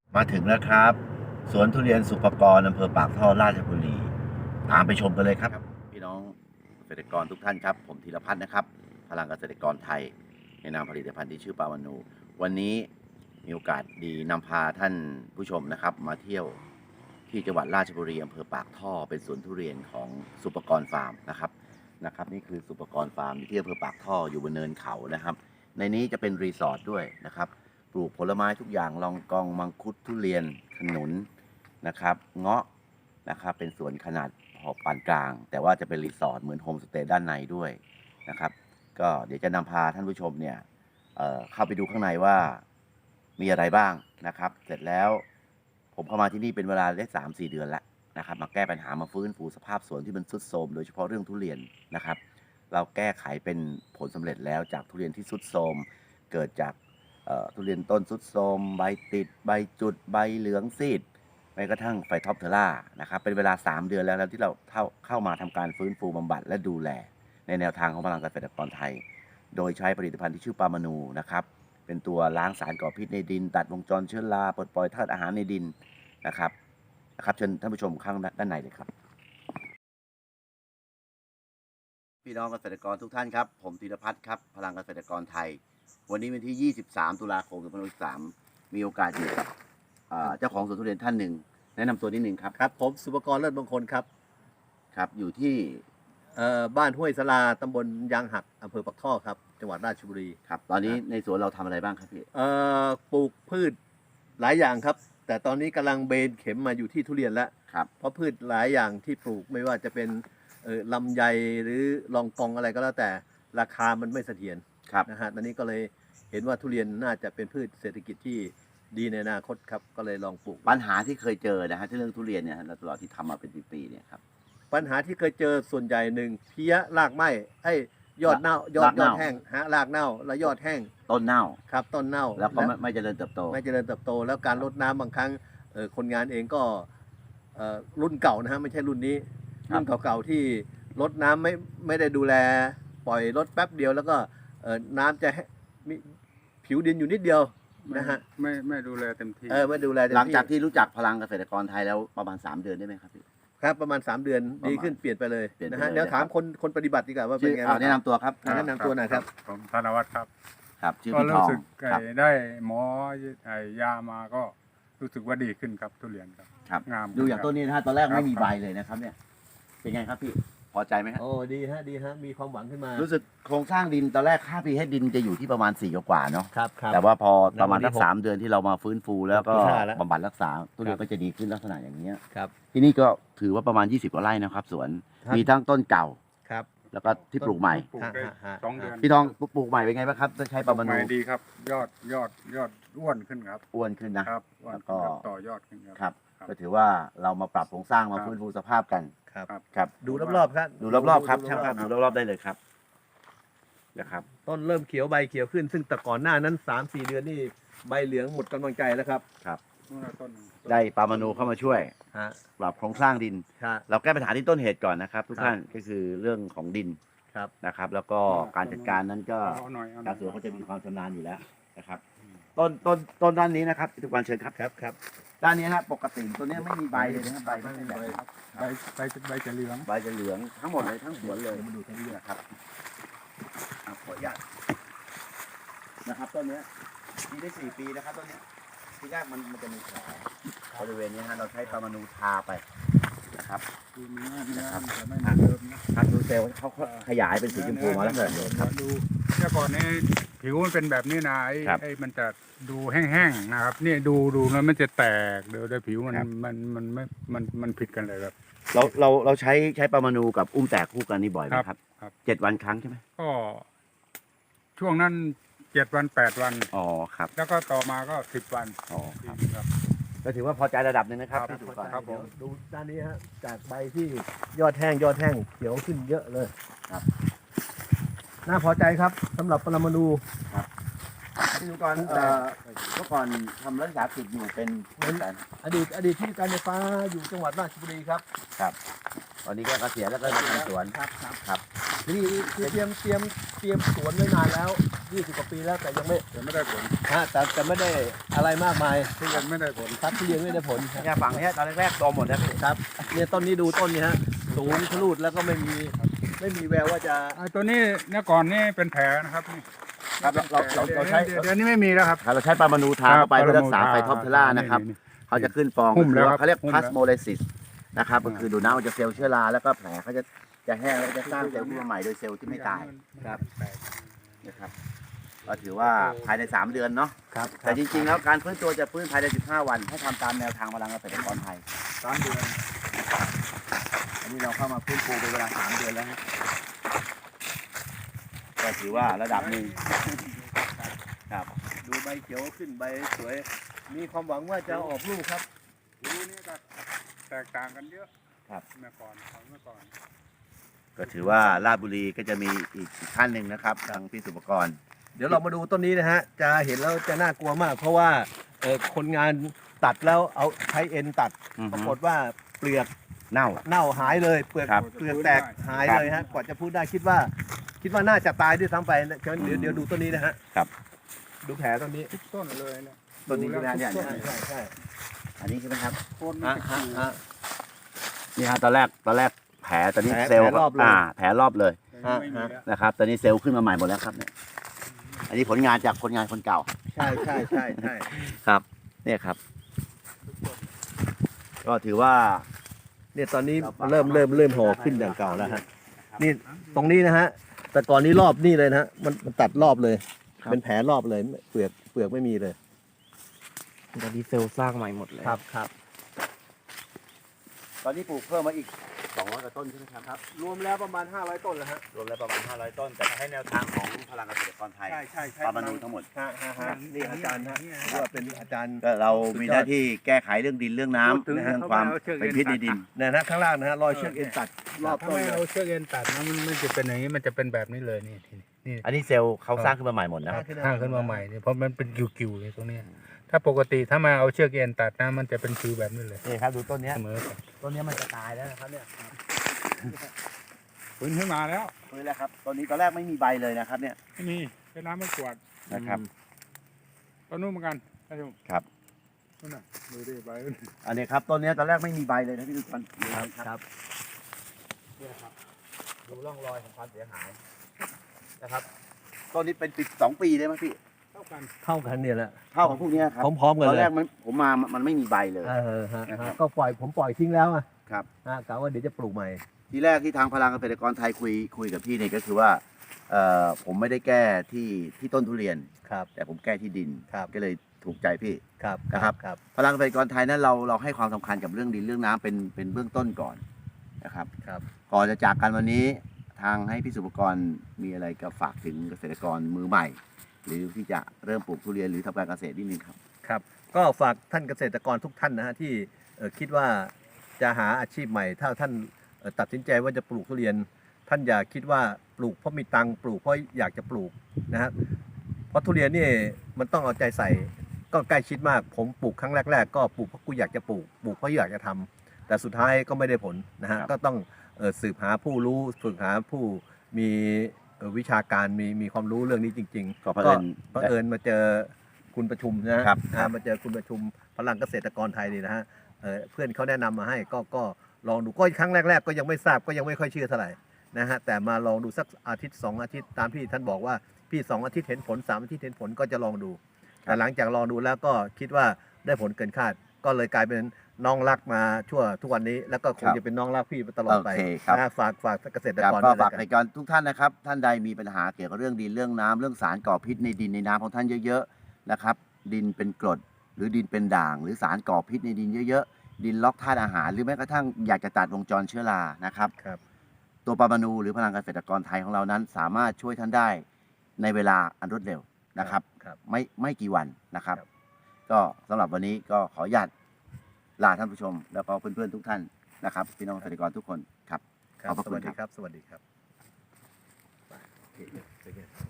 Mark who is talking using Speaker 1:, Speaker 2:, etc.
Speaker 1: มาถึงแล้วครับสวนทุเรียนสุปกรอำเภอปากท่อราชบุรีตามไปชมกันเลยครับพี่น้องเกษตรกรทุกท่านครับผมธีรพัฒน์นะครับพลังเกษตรกรไทยในนามผลิตภัณฑ์ที่ชื่อปาวานูวันนี้มีโอกาสดีนำพาท่านผู้ชมนะครับมาเที่ยวที่จังหวัดราชบุรีอำเภอปากท่อเป็นสวนทุเรียนของสุปกรฟาร์มนะครับนี่คือสุปกรฟาร์มที่อำเภอปากท่ออยู่บนเนินเขานะครับในนี้จะเป็นรีสอร์ทด้วยนะครับปลูกผลไม้ทุกอย่างลองกองมังคุดทุเรียนขนุนนะครับเงาะนะครับเป็นสวนขนาดพอปานกลาง แต่ว่าจะเป็นรีสอร์ทเหมือนโฮมสเตย์ด้านในด้วยนะครับก็เดี๋ยวจะนำพาท่านผู้ชมเนี่ยเข้าไปดูข้างในว่ามีอะไรบ้างนะครับเสร็จแล้วผมเข้ามาที่นี่เป็นเวลาได้3-4 เดือนแล้วนะครับมาแก้ปัญหามาฟื้นฟูสภาพสวนที่มันทรุดโทรมโดยเฉพาะเรื่องทุเรียนนะครับเราแก้ไขเป็นผลสำเร็จแล้วจากทุเรียนที่ทรุดโทรมเกิดจากทุเรียนต้นทรุดโทรมใบติดใบจุดใบเหลืองซีดแม้กระทั่งไฟท็อปเทอร่านะครับเป็นเวลา3 เดือนแล้วที่เราเข้ามาทำการฟื้นฟูบำบัดและดูแลในแนวทางของพลังเกษตรกรไทยโดยใช้ผลิตภัณฑ์ที่ชื่อปามานูนะครับเป็นตัวล้างสารก่อพิษในดินตัดวงจรเชื้อราปลดปล่อยธาตุอาหารในดินนะครับเชิญท่านผู้ชมข้างด้านในเลยครับพี่น้องเกษตรกรทุกท่านครับผมธีรพัฒน์ครับพลังเกษตรกรไทยวันนี้วันที่23 ตุลาคม 2563มีโอกาสอยู่กับเจ้าของสวนทุเรียนท่านหนึ่งแนะนำตัวนิดนึงครับ
Speaker 2: ครับผมสุภกรเลิศมงคลครับ
Speaker 1: ครับอยู่ที่
Speaker 2: บ้านห้วยสลาตำบลยางหักอำเภอปักท่อครับจังหวัดราชบุรี
Speaker 1: ครับตอนนี้ในสวนเราทำอะไรบ้างครับพี่
Speaker 2: ปลูกพืชหลายอย่างครับแต่ตอนนี้กำลังเบนเข็มมาอยู่ที่ทุเรียนแล้ว
Speaker 1: ครับ
Speaker 2: เพราะพืชหลายอย่างที่ปลูกไม่ว่าจะเป็นลำไยหรือลองกองอะไรก็แล้วแต่ราคามันไม่เสถียร
Speaker 1: ครับ
Speaker 2: นะฮะตอนนี้ก็เลยเห็นว่าทุเรียนน่าจะเป็นพืชเศรษฐกิจที่ดีในอนาคตครับก็เลยลองปลูก
Speaker 1: ปัญหาที่เคยเจอนะฮะที่เรื่องทุเรียนเนี่ยตลอดที่ทำมาเป็นปีๆเนี่ยครับ
Speaker 2: ปัญหาที่เคยเจอส่วนใหญ่หนึ่งเพี้ยรากไหม้ยอดเน่ายอดแห้งรากเน่าแล้วยอดแห้ง
Speaker 1: ต้นเน่า
Speaker 2: ครับต้นเน่า
Speaker 1: แล้วก็ไม่เจริญเติบโต
Speaker 2: แล้วการรดน้ำบางครั้งคนงานเองก็รุ่นเก่านะฮะไม่ใช่รุ่นนี้รุ่นเก่าๆที่รดน้ำไม่ได้ดูแลปล่อยรดแป๊บเดียวแล้วก็น้ำจะมีผิวดินอยู่นิดเดียวนะฮะ
Speaker 3: ไม่ดูแลเต็มที่
Speaker 2: ไม่ดูแลเต็มที่
Speaker 1: หลังจากที่รู้จักพลังเกษตรกรไทยแล้วประมาณ3 เดือนได้ไหมครับพี่
Speaker 2: ครับประมาณ3 เดือนดีขึ้นเปลี่ยนไปเลยนะฮะเดี๋ยวถามคนปฏิบัติดีกว่าว่าเป็นไง
Speaker 1: แนะนำตัวครับ
Speaker 2: แนะนำตัวหน่อยครับ
Speaker 3: ผมธนวัฒน์ครับ
Speaker 1: ครับชื่อ
Speaker 3: ก็
Speaker 1: พี่ทอง
Speaker 3: รู้สึก
Speaker 1: ครับ
Speaker 3: ได้หมอยามาก็รู้สึกว่าดีขึ้นครับทุเรียนครับ
Speaker 1: ครับ
Speaker 3: งาม
Speaker 1: ดูอย่างต้นนี้นะฮะตอนแรกไม่มีใบเลยนะครับเนี่ยเป็นไงครับพี่พอใจไหมครับ
Speaker 2: โอ้ดีฮะมีความหวังขึ้นมา
Speaker 1: รู้สึกโครงสร้างดินตอนแรกค่า pH ดินจะอยู่ที่ประมาณ4 กว่าเนาะ
Speaker 2: ครับ
Speaker 1: แต่ว่าพอประมาณสัก3 เดือนที่เรามาฟื้นฟูแล้วก็
Speaker 2: 6.5แล้ว
Speaker 1: บำบัดรักษาต้นเรียนก็จะดีขึ้นลักษณะอย่างนี้ย
Speaker 2: ครับ
Speaker 1: ที่นี่ก็ถือว่าประมาณ20 กว่าไร่นะครับสวน
Speaker 2: ครับ
Speaker 1: มีทั้งต้นเก่า
Speaker 2: ครับ
Speaker 1: แล้วก็ที่ปลูกใหม่
Speaker 3: ปลูกได้
Speaker 2: ฮะ
Speaker 3: 2 เดือน
Speaker 1: พี่ทองปลูกใหม่เป็นไงบ้างครับต้องใช้ปามา
Speaker 3: ให
Speaker 1: นู
Speaker 3: ม่ดีครับ ยอดอ้วนขึ้นครับ
Speaker 1: อ้วนขึ้นนะครับ
Speaker 3: อ้วน
Speaker 1: แล้วก็
Speaker 3: ขึ้นครับต่อยอดขึ้นครับ
Speaker 1: ครับก็ถือว่าเรามาปรับโครงสร้างมาฟื้นฟูสภาพกัน
Speaker 2: ครับ
Speaker 1: ครับ
Speaker 2: ดูรอบๆครับ
Speaker 1: ดูรอบๆครับช่างภาพดูรอบๆได้เลยครับนะครับ
Speaker 2: ต้นเริ่มเขียวใบเขียวขึ้น ซึ่งแต่ก่อนหน้านั้น3-4 เดือนนี่ใบเหลืองหมดกำลังใจแล้วครับ
Speaker 3: นู่นน่ะต้นหนึ่ง
Speaker 1: ได้ปามานูเข้ามาช่วย
Speaker 2: ฮะ
Speaker 1: ปรับโครงสร้างดิน
Speaker 2: ครับ
Speaker 1: เราแก้ปัญหาที่ต้นเหตุก่อนนะครับ ทุก
Speaker 2: ครับ
Speaker 1: ท่านก็คือเรื่องของดิน
Speaker 2: ครับ
Speaker 1: นะครับ แล้วก็การจัดการนั้นก็
Speaker 3: เอาหน่อย
Speaker 1: ชาวสวนเขาจะมีความชำนาญอยู่แล้วนะครับ ต้นด้านนี้นะครับทุกวันเชิญครับ
Speaker 2: ครับ
Speaker 1: ด้านนี้นะปกติตัวนี้ไม่มีใบเลยนะครับใบไม่มีใบครับ
Speaker 3: ใบจะเหลือง
Speaker 1: ใบจะเหลืองทั้งหมดเลยทั้งสวนเลยมาดูทั้งนี้นะครับขออนุญาตนะครับต้นนี้ปีได้4 ปีนะครับต้นนี้ทีแรกมันจะมีแผลบริเวณนี้ฮะเราใช้ปามานูทาไปนะครับ
Speaker 3: ดูเนื้อมันจะไม่เหมือนเดิมนะครับ
Speaker 1: ดูเซลล์เขาขยายเป็นสีชมพูมาแล้วเหรอครับ
Speaker 3: ดูเมื่อก่อนนี้ผิวมันเป็นแบบนี้นะ
Speaker 1: ครับ
Speaker 3: ไอ้มันจะดูแห้งๆนะครับนี่ดูแล้วมันจะแตกเดี๋ยวผิวมัน
Speaker 1: ครับ
Speaker 3: มันผิดกันเลยครับ
Speaker 1: เราใช้ปามานูกับอุ้มแตกคู่กันนี่บ่อยไหมครับ
Speaker 3: ครับ
Speaker 1: 7 วันครั้งใช่ไหม
Speaker 3: ก็ช่วงนั้น7 วัน8 วัน
Speaker 1: อ๋อครับ
Speaker 3: แล้วก็ต่อมาก็10 วัน
Speaker 1: อ๋อครับ
Speaker 3: ครับ
Speaker 1: ก็ถือว่าพอใจระดับหนึ่งนะครับ
Speaker 3: ครับ
Speaker 1: ที่ถูกก่อน
Speaker 3: ครับผม
Speaker 2: ดูด้านนี้ฮะจากใบที่ยอดแห้งเขียวขึ้นเยอะเลย
Speaker 1: ครับ
Speaker 2: น่าพอใจครับสำหรับปรมาณู
Speaker 1: ที่ถูกก่อนเมื่อก่อนทำรักษากิจอยู่เป็น
Speaker 2: อดีตที่การไฟฟ้าอยู่จังหวัดราชบุรีครับ
Speaker 1: ครับตอนนี้ก็เกษียณแล้วก็มาทำสวน
Speaker 2: ครับ
Speaker 1: ครับ
Speaker 2: นี่คือเตรียมสวนไว้นานแล้ว20กว่าปีแล้วแต่ยังไม่
Speaker 3: ยังไม่ได้ผล
Speaker 2: แต่ไม่ได้อะไรมากมาย
Speaker 3: ทุเรียนไม่ได้ผล
Speaker 2: ครับทุเรียนไม่ได้ผล
Speaker 1: เนี่ยฝั่งเนี้ยตอนแรกๆโตหมดนะพี่
Speaker 2: ครับเนี่ยต้นนี้ดูต้นนี้ฮะสูงทะลุแล้วก็ไม่มีแววว่าจะ
Speaker 3: ไอ้ตัวนี้เนี่ยก่อนนี่เป็นแผลนะครับนี่
Speaker 1: ครับเราใช้
Speaker 3: เดี๋ยวนี้ไม่มีแล้วครับ
Speaker 1: เราใช้ปลามานูทาเข้าไปเพื่อรักษาไฟท็อปเทล่านะครับ
Speaker 3: นี่
Speaker 1: เขาจะขึ้นฟอง
Speaker 3: หุ้มแล้วครับ
Speaker 1: เขาเรียก
Speaker 3: หุ้ม
Speaker 1: พ
Speaker 3: แล้ว
Speaker 1: ลาสโมเลซิสนะครับก็คือดูดน้ำมันจะเซลล์เชื้อราแล้วก็แผลเขาจะแห้งแล้วจะสร้างเซลล์ขึ้นมาใหม่โดยเซลล์ที่ไม่ตาย
Speaker 2: ครับ
Speaker 1: นะครับก็ถือว่าภายใน3 เดือนเนาะ
Speaker 2: ครับ
Speaker 1: แต่จริงๆแล้วการฟื้นตัวจะฟื้นภายใน15 วันให้ทำตามแนวทางพลังเกษตรกรไทย
Speaker 3: 3 เดือน
Speaker 1: อันนี้เราเข้ามาฟื้นฟูเป็นเวลา3 เดือนแล้วฮะก็ถือว่าระดับหนึ่งครับ
Speaker 2: ดูใบเขียวขึ้นใบสวย มีความหวังว่าจะออกลูกครับ
Speaker 3: รู้นี่ก็แตกต่างกันเยอะ
Speaker 1: ครับ
Speaker 3: เมื่อก่อนของเมื่อก่อน
Speaker 1: ก็ถือว่าราชบุรีก็จะมีอีกท่านหนึ่งนะครับทางพี่สุปกรณ์
Speaker 2: เดี๋ยวเรามาดูต้นนี้นะฮะจะเห็นแล้วจะน่ากลัวมาก เพราะว่าคนงานตัดแล้วเอาใช้เอ็นตัด
Speaker 1: อือฮึ
Speaker 2: ปรากฏว่าเปลือก
Speaker 1: เน่า
Speaker 2: เน่าหายเลยเปลือก
Speaker 1: ครับ
Speaker 2: เปลือกแตกหายเลยฮะกว่าจะพูดได้คิดว่าน่าจะตายด้วยซ้ำไปนะเดี๋ยวดูต้นนี้นะฮะ
Speaker 1: ครับ
Speaker 2: ดูแผลต้นนี้
Speaker 3: ทุกต้นเลยเนี่ย
Speaker 1: ต้นนี้ใช่ไหมฮะเนี่ย
Speaker 2: ใช่
Speaker 1: อันนี้ใช่ไหมครับ
Speaker 3: โคนมัน
Speaker 2: ฮะ
Speaker 3: จะ
Speaker 2: ฮะ
Speaker 3: ขีด
Speaker 2: ฮะ
Speaker 1: นี่ฮะตอนแรกแผลตอนนี้
Speaker 2: แผล
Speaker 1: เซลล์
Speaker 2: แผลรอบเลย
Speaker 1: แผลรอบเลย
Speaker 3: ไม่มีแล้ว
Speaker 1: นะครับตอนนี้เซลล์ขึ้นมาใหม่หมดแล้วครับเนี่ยอันนี้ผลงานจากคนงานคนเก่า
Speaker 2: ใช่ใช่
Speaker 1: ครับเนี่ยครับ ก็ถือว่า
Speaker 2: เนี่ยตอนนี้เริ่มห่อขึ้นอย่างเก่าแล้วฮะนี่ตรงนี้นะฮะแต่ก่อนนี้รอบนี่เลยนะฮะมันตัดรอบเลย
Speaker 1: ครับ
Speaker 2: เป็นแผลรอบเลยเปลือกไม่มีเลย
Speaker 4: ตอนนี้เซลล์สร้างใหม่หมดเลย
Speaker 2: ครับ
Speaker 1: ตอนนี้ปลูกเพิ่มมาอีก200 กว่าต้นใช่ไหมครับ
Speaker 2: รวมแล้วประมาณ500ต้นแล้วฮะ
Speaker 1: รวมแล้วประมาณ500 ต้น แต่ให้แนวทางของพลังเกษตรกรไทย
Speaker 2: ใช่
Speaker 1: ปลามานูทั้งหมด
Speaker 2: นี่อาจารย์ฮะว่าเป็นอาจารย์
Speaker 1: ก็เรามีหน้าที่แก้ไขเรื่องดินเรื่องน้ำ
Speaker 2: พูดถึง
Speaker 1: เรื่องความเป็นพิษในดิน
Speaker 2: เนี่ยนะข้างล่างนะฮะรอยเชือกเอ็นตัดรอบ
Speaker 3: ถ้า
Speaker 2: ต้น
Speaker 3: ไม่
Speaker 2: เลย
Speaker 3: เอาเชือกเอ็นตัดนะมันไม่จะเป็นอย่างนี้มันจะเป็นแบบนี้เลยนี่นี่
Speaker 1: อันนี้เซลล์เขาสร้างขึ้นมาใหม่หมดนะครับ
Speaker 3: ข้างขึ้นมาใหม่เนี่ยเพราะมันเป็นกิวๆเลยตรงเนี้ยถ้าปกติถ้ามาเอาเชือกเอ็นตัดนะมันจะเป็นคิวแบบนี้เลย
Speaker 1: นี่ครับดูต้นเนี้ย
Speaker 3: เสมอกัน
Speaker 1: ต้นเนี้ยมันจะตายแล้วนะครับเนี่ย
Speaker 3: ฟื้นขึ้นมาแล้ว
Speaker 1: นี่แหละครับต้นนี้ตอนแรกไม่มีใบเลยนะครับเนี่ย
Speaker 3: ไม่มีเป็นน้ำไม่กวาด
Speaker 1: นะครับ
Speaker 3: ต้นนู้นเหมือนกันท่านผู้ชม
Speaker 1: ครับ
Speaker 3: นู่นน่ะดูดิใบ
Speaker 1: อันนี้ครับต้นเนี้ยตอนแรกไม่มีใบเลยนะพี่ทุกคน
Speaker 2: ครับ
Speaker 1: เนี่ยครับดูร่องรอยของความเสียหายนะครับต้นนี้เป็น2 ปีได้ไหมพี่
Speaker 3: เท่ากัน
Speaker 2: เท่ากันเนี่ยแหละ
Speaker 1: เท่าของพวกเนี้ยครับ
Speaker 2: พร้อมๆกัน
Speaker 1: ตอน
Speaker 2: เล
Speaker 1: แร
Speaker 2: ย
Speaker 1: กผมมามันไม่มีใบเลย
Speaker 2: ฮะ
Speaker 1: นะครับ
Speaker 2: ก็ผมปล่อยทิ้งแล้วอ่ะ
Speaker 1: ครับ
Speaker 2: กะว่าเดี๋ยวจะปลูกใหม่
Speaker 1: ทีแรกที่ทางพลังเกษตรกรไทยคุยกับพี่เนี่ยก็คือว่าผมไม่ได้แก้ที่ต้นทุเรียน
Speaker 2: ครับ
Speaker 1: แต่ผมแก้ที่ดิน
Speaker 2: ครับ
Speaker 1: ก็เลยถูกใจพี่
Speaker 2: ครับ
Speaker 1: นะครับ
Speaker 2: ครับ
Speaker 1: พลังเกษตรกรไทยนั้นเราให้ความสำคัญกับเรื่องดินเรื่องน้ำเป็นเบื้องต้นก่อนนะครับ
Speaker 2: ครับ
Speaker 1: ก่อนจะจากกันวันนี้ทางให้พี่สุปกรณ์มีอะไรก็ฝากถึงเกษตรกรมือใหม่ หรือที่จะเริ่มปลูกทุเรียนหรือทำการเกษตรนิดนึงครับ
Speaker 2: ครับก็ฝากท่านเกษตรกรทุกท่านนะฮะที่คิดว่าจะหาอาชีพใหม่ ถ้าท่านตัดสินใจว่าจะปลูกทุเรียน ท่านอย่าคิดว่าปลูกเพราะมีตังค์ปลูกเพราะอยากจะปลูกนะฮะเพราะทุเรียนนี่มันต้องเอาใจใส่ก็ใกล้ชิดมาก ผมปลูกครั้งแรกๆก็ปลูกเพราะกูอยากจะปลูกเพราะอยากจะทำแต่สุดท้ายก็ไม่ได้ผลนะฮะ
Speaker 1: ครับ
Speaker 2: ก็ต้องสืบหาผู้รู้ฝึกหาผู้มีวิชาการมีความรู้เรื่องนี้จริงๆ
Speaker 1: ก็เผอิญ
Speaker 2: บังเอิญมาเจอคุณประชุมนะครับ มาเจอคุณประชุมพลังเกษตรกรไทยนี่นะฮะเพื่อนเขาแนะนำมาให้ก็ลองดูก็ครั้งแรกๆก็ยังไม่ทราบก็ยังไม่ค่อยเชื่อเท่าไหร่นะฮะแต่มาลองดูสักอาทิตย์2 อาทิตย์ตามที่ท่านบอกว่าพี่2 อาทิตย์เห็นผล3 อาทิตย์เห็นผลก็จะลองดู แต่หลังจากลองดูแล้วก็คิดว่าได้ผลเกินคาด ก็เลยกลายเป็นน้องรักมาชั่วทุกวันนี้ แล้วก็คงจะเป็นน้องรักพี่ไปตลอดไป
Speaker 1: โอเคครับ
Speaker 2: นะฝากเกษตร
Speaker 1: ครับ
Speaker 2: กร
Speaker 1: ก็
Speaker 2: ด้วย
Speaker 1: ฝาก
Speaker 2: แล้ว
Speaker 1: ใน
Speaker 2: กัน
Speaker 1: การทุกท่านนะครับ ท่านใดมีปัญหาเกี่ยวกับเรื่องดินเรื่องน้ำเรื่องสารก่อพิษในดินในน้ำของท่านเยอะๆนะครับ ดินเป็นกรดหรือดินเป็นด่าง หรือสารก่อพิษในดินเยอะๆดินล็อกธาตุอาหารหรือแม้กระทั่งอยากจะตัดวงจรเชื้อรานะครับ
Speaker 2: ครับ
Speaker 1: ตัวปามานูหรือพลังเกษตรกรไทยของเรานั้น สามารถช่วยท่านได้ในเวลาอันรวดเร็วนะครับ
Speaker 2: ครับ
Speaker 1: ไม่กี่วันนะครับ
Speaker 2: ครับ
Speaker 1: ก็สำหรับวันนี้ก็ขออนุญาตลาท่านผู้ชม แล้วก็เพื่อนๆทุกท่านนะครับพี่น้องเกษตรกรทุกคนครับ
Speaker 2: ครับ
Speaker 1: ขอบพระ
Speaker 2: ส
Speaker 1: คุณ
Speaker 2: วัสดี
Speaker 1: ครับ
Speaker 2: ครับ สวัสดีครับไปโอเค